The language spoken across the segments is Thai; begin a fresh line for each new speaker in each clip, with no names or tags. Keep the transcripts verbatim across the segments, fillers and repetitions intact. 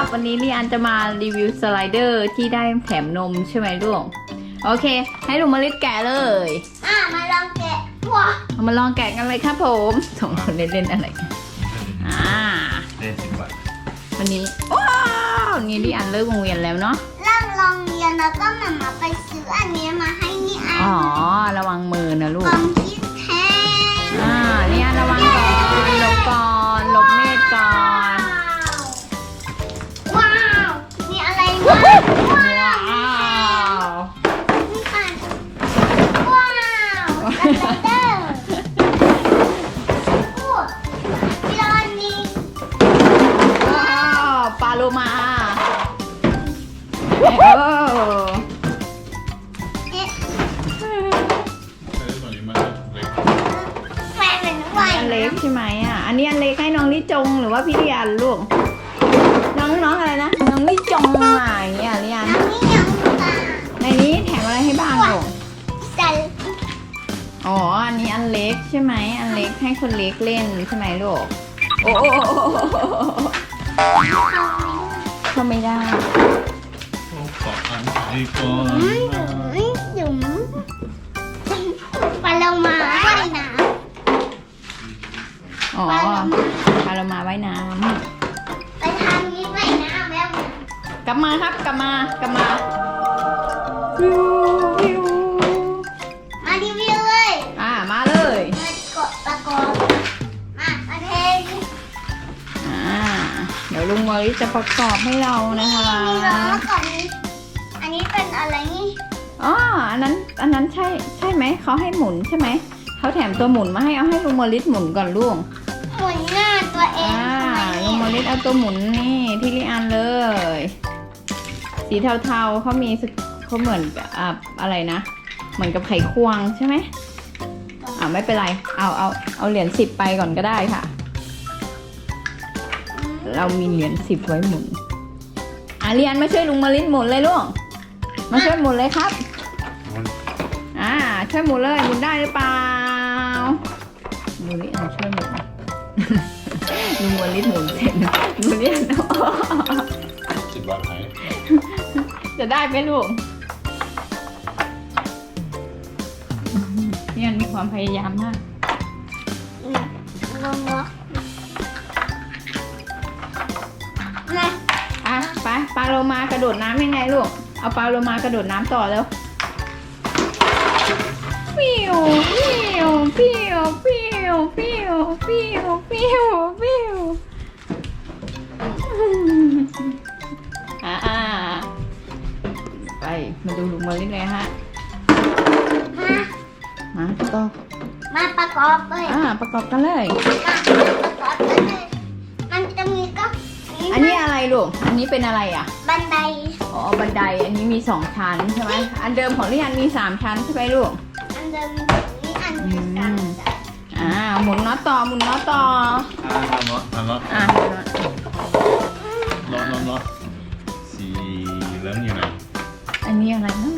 วันนี้ลีอันจะมารีวิวสไลเดอร์ที่ได้แถมนมใช่ไหมลูกโอเคให้ลุงมาลิดแกะเลย
อ่ะมาลองแกะว้า
เอามาลองแกะกันเลยครับผมสองคนเล่นๆอะไรอ่า
เล่นสิบบาท
วันนี้ว้าวนี่ลีอันเลิกโรงเรียนแล้วเนาะ
เริ่มโรงเรียนแล้วก็มามาไปซื้ออันนี้มาให้นี่อัน
อ๋อระวังมือนะลูก
ความคิดแทน
อ่านี่อันระวังก่อนหลบก่อนหลบเมฆก่อน
ว้าวมีอะไรมาว้าวนี่ค่ะว้าวสไลเดอร์โอ้มีรอนนี้
ว้าวปลาโลมาโอ้
เอ๊ะแฟนเป็นไง
อันเล็กใช่ไหมอ่ะอันนี้อันเล็กให้น้องลิจงหรือว่าพี่เรียนลูกน้องน้องอะไรนะน้องลิจงอะไรอย่างเงี้ยเรียน
น้ำนี่ยังตา
ในนี้แถมอะไรให้บ้างลูก
ใส่
อ๋ออันนี้อันเล็กใช่ไหมอันเล็กให้คนเล็กเล่นใช่ไหมลูกโอ้ก็ไม่ได้
ขออ่านไปก่อน
จุ๋มปลาโลมาว่ายน้
ำอ๋อปลาโลมาว่ายน้
ำไปทางนี้ว่ายน้ำแล้ว
กลับมาครับกลับมากลับมาวิววิว
มารีวิวเลย
อ่ามาเลย
มากดประกอบมามาเท
อ่าเดี๋ยวลุงวอลิจะประกอบให้เรานะคะ
มีล้อก่อนนี้อันนี้เป็นอะไรนี่
อ๋ออันนั้นอันนั้นใช่ใช่ไหมเขาให้หมุนใช่ไหมเขาแถมตัวหมุนมาให้เอาให้ลุงวอลิหมุนก่อนลูก
หมุนหน้าตัวเอง
อ่าลุงวอลิเอาตัวหมุนนี่ที่ลิอันเลยสีเทาๆเขามีเขาเหมือนอ่าอะไรนะเหมือนกับไขควงใช่ไหมอ่าไม่เป็นไรเอาเอาเอาเหรียญสิบไปก่อนก็ได้ค่ะเรามีเหรียญสิบไว้หมุนอ่ะเรียนมาช่วยลุงมาลินหมุนเลยลูกมาช่วยหมุนเลยครับอ่าช่วยหมุนเลยหมุนได้หรือเปล่าลุงลินช่วยหมุนลุงมาลินหมุนเสร็จลุงลิน
สิบบาทไหน
จะได้ไหมลูกเรียนมีความพยายามมาก
งงวะ
อ่ะไปปลาโลมากระโดดน้ำยังไงลูกเอาปลาโลมากระโดดน้ำต่อแล้วฟิวฟิวฟิวฟิวฟิวฟิวฟิวฟิวอ่าไปมาดูลุงมาลินเลยฮะมาต่อ
มาประกอบเลย
อ่าประกอบกันเลย
มาประกอบกันเลยมันจะมีก็
อันนี้อะไรลูกอันนี้เป็นอะไรอ่ะ
บันได
อ๋อบันไดอันนี้มีสองชั้นใช่ไหมอันเดิมของลิอันมีสามชั้นใช่ไหมลูก
อันเดิมนี่อันที่สาม
อ่าหมุนน็อตต่อหมุนน็อตต่อ
อ่าน็อตน็อต
อ่า
น็อตน็อตน็อตสีเหลืองอยู่ไหน
อันนี้อะไรนะ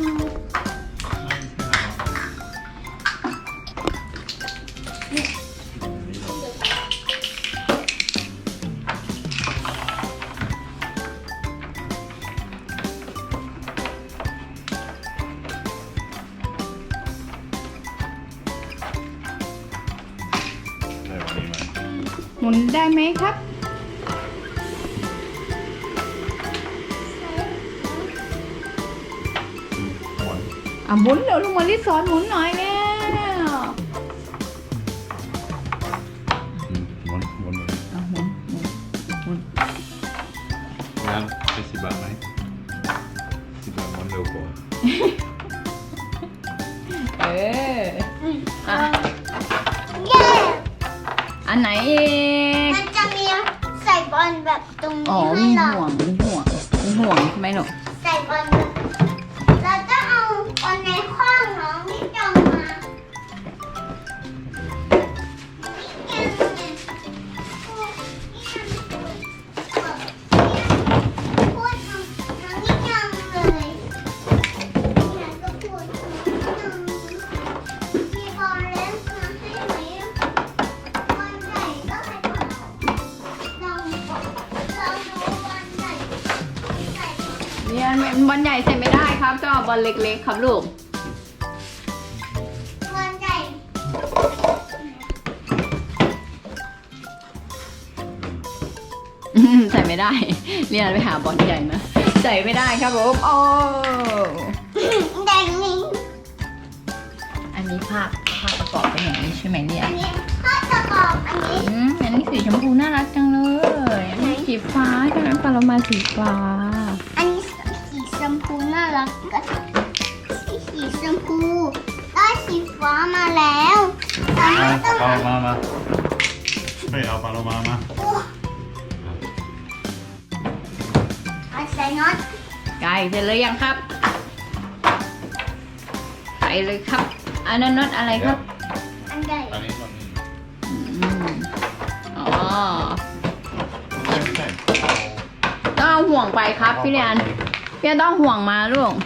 หมุนได้ไหมครับอ่ะหมุนเดี๋ยวลุงมาลิสอนหมุนหน่อยแล้ว
หมุนหมุน
อ่ะหมุนหมุนหมุน
น้ำเป็นสิบบาทไหมสิบบาทหมุนเร็วกว่า
เอออ่ะ
เย้
อันไหนอีก
มันจะมีใส่บอลแบบตรงนี้
ให้เราอ๋อมีห่วงมีห่วงมีห่วงใช่ไหมหนู
ใส่บอลเราจะเอาบอลในข้องน้องที่จองมาพูดน้องที่จองเลยอยากจะพูดมีบอลเล่นมาให้ไหมบอลใหญ่ก็ให้เราเราดูบอลใหญ่
อันบอลใหญ่ใส่ไม่ได้ครับต้องเอาบอลเล็กๆครับลูก
วันใจ
อืมใส่ไม่ได้เรียนไปหาบอลใหญ่มาใส่ไม่ได้ครับผมโอ้
แดงนี้
อันนี้ภาพภาพประกอบเป็นอย่างนี้ใช่ไหมเนี่ย
อันนี้ข้อประกอบอันนี้
อืมอันนี้สีชมพูน่ารักจังเลยอันนี้สีฟ้าใช่ไหมปลาโลมาสีฟ้า
อันนี้สีชมพูน่ารักก็สีชมพูได้สีฟ้ามาแล้วตอน
เอา
นี้ต้อง
ปลาโลมามาไปเอาปลาโลมามา
เอาใส่น็อต
ไก่เสร็จเลยยังครับใส่เลยครับ อันนั้นน็อตอะไรครับ
อันใหญ่
อันนี้มัน
อืมอ๋อ
ใช่ใช่
ต้องเอาห่วงไปครับพี่เรียนพี่เรียนต้องห่วงมาลูก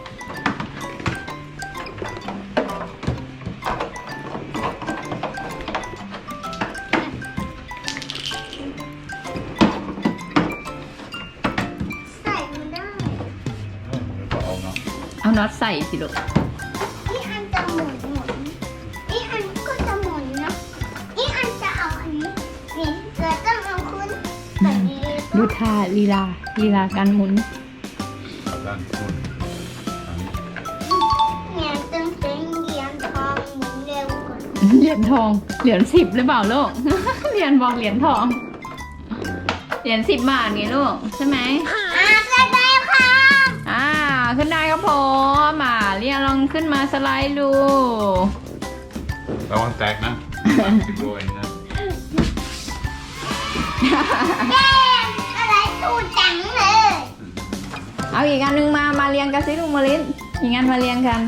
ใส่ไม่ได้
เออเดี๋ยวก็เอาเนาะ
เอาน็อตใส่สิลูก
นี่อันจะหมุนหมุนนี่อันก็จะหมุนนะนี่อันจะเอาอันนี้นี่เราต้องเอาขึ้นแบบนี้
ดูท่าลีลาลีลาการหมุน
เอาด้านบนอันนี้
เนี่ยตึงเป็นเหรียญทองหมุนเร็วกว่า
เหรียญทองเหรียญสิบหรือเปล่าลูก เหรียญบอกเหรียญทอง เหรียญสิบบาทไงลูกใช่ไหม
อ่าได้ได้ค่ะ
อ่าขึ้นได้ครับผมอ่าเรียนลองขึ้นมาสไลด์ดู
ระวังแตกนะติดโบยนะ
เย้อะไรตูจังเลย
เอาอีกอันหนึงมามาเรียงกันสิลุงมาลินอีกอันมาเรียงกัน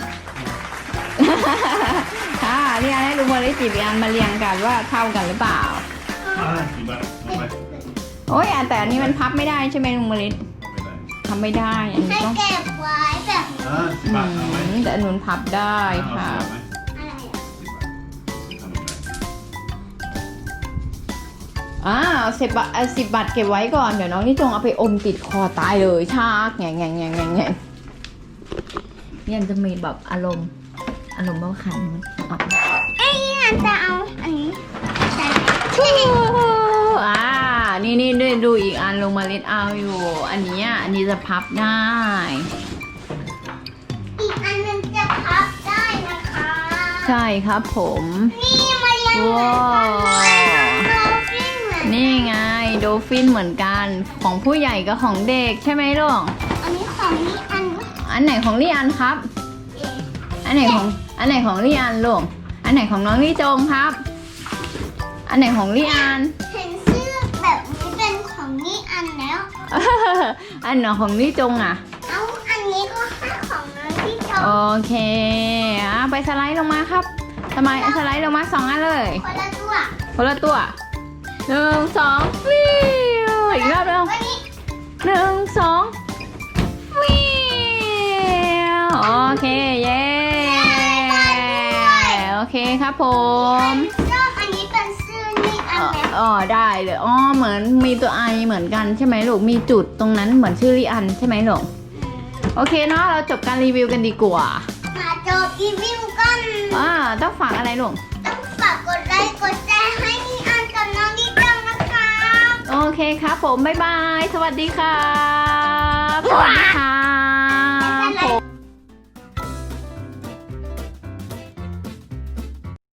ค่ะเรียนให้ลุงมาลินจีบอีกอันมาเรียงกันว่าเท่ากันหรือเปล่า
อ่ากี่บาทเอาไป
โอ้ยอ่ะแต่อันนี้มันพับไม่ได้ใช่ไหมลุงมาลิน
ไม่ได้
ทำไม่ได้อันนี้
ให้
ต้อง
เก็บไว้แบบ
อ่าสิบ
อื
บาทเอาไหม
มแต่อันนู้นพับได้
เอา
ค่ะ
สิบไหม
อะไรอะ
สิบบาททำอะไร
อ่าสิบบาทสิบบาทเก็บไว้ก่อนเดี๋ยวน้องนี่จงเอาไปอมติดคอตายเลยชากแง่แง่แง่แง่แง่เนี่ยจะมีแบบอารมณ์อารมณ์บ้าขันมันออก
ไอ้นี่อันจะเอาอันนี้ใส่
อ่านี่นี่ดูดูอีกอันลงมาเล็ดเอาอยู่ อันเนี้ยอันนี้จะพับได้
อีกอันหนึงจะพับได้นะคะ
ใช่ครับผม
นี่มาเรียงเหมือนกันเลยโดฟินเหมือน
นี่ไงโดฟินเหมือนกันของผู้ใหญ่กับของเด็กใช่ไหมลูก
อันนี้ของนี่อันนี้
อันไหนของลี่อันครับ
เอง
อันไหนของอันไหนของลี่อันลูกอันไหนของน้องลี่จงครับ อันไหนของลี่อัน
เห็นเสื้อแบบนี้เป็นของนี่อันแล้ว
อันไหนของลี่จงอ่ะ
เอาอันนี้ก็ให้ของน้องที่ช
โอ
ม
เคอ่ะไปสไลด์ลงมาครับทำไมสไลด์ลงมาสองอันเลย
คนละตัว
คนละตัวหนึ่งสองฟิวอีกรอบเร็ว
วันนี้
หนึ่งสองฟิวโอเคเย้โอเคครับผม
ชอบอันนี้เป็นเสื้อนี่อัน
อ๋อ
แล้ว
อ๋อได้เลยอ๋อเหมือนมีตัวไอเหมือนกันใช่ไหมลูกมีจุดตรงนั้นเหมือนชื่อริอันใช่ไหมลูกโอเคเนาะเราจบการรีวิวกันดีกว่า
มาจบรีวิวกัน
อ่าต้องฝากอะไรลูก
ต้องฝากกดไลค์กดแชร์ให้นี่อันกับน้องดิจังนะคะ
โอเคครับผมบ๊ายบายสวัสดีครับสวัสดีครับ